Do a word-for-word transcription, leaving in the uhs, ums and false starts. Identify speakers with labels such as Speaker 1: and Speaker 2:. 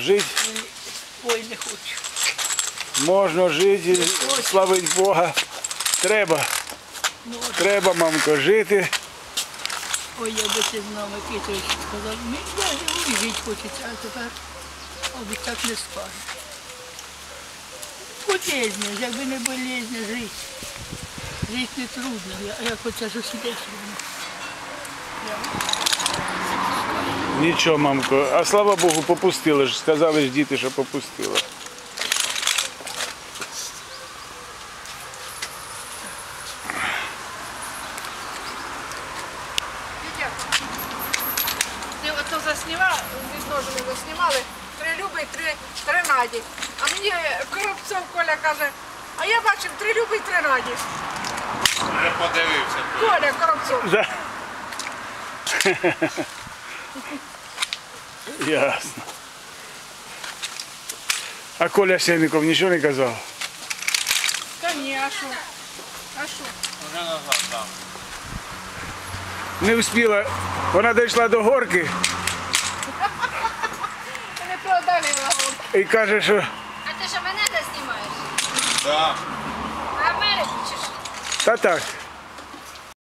Speaker 1: жити.
Speaker 2: Ой, не хочу.
Speaker 1: Можна жити, славить Бога. Треба. Треба, мамко, жити.
Speaker 2: Ой, я би ти знав, Микитович сказав, мені навіть жити хочеться, а тепер, мабуть, так не скаже. Болезня, якби не болезня, жити. Жити не трудно, я, я хоча ж усідеш.
Speaker 1: Нічого, мамко. А слава Богу, попустили ж. Сказали ж діти, що попустили.
Speaker 3: Ти ото заснімала, відно ж ми заснімали, три Люби, три, три Наді. А мені Коробцов Коля каже, а я бачив три Люби і три Наді.
Speaker 4: Вже подивився.
Speaker 3: Коля Коробцов.
Speaker 1: Да. Ясно. А Коля Сенников нічого не казав?
Speaker 3: Та ні, а що? А що?
Speaker 4: Вже назад, так.
Speaker 1: Не встигла. Вона дійшла до горки
Speaker 3: Не продалила.
Speaker 1: і каже, що
Speaker 5: А ти що мене де знімаєш?
Speaker 4: Так.
Speaker 5: А Америку чи що?
Speaker 1: та так.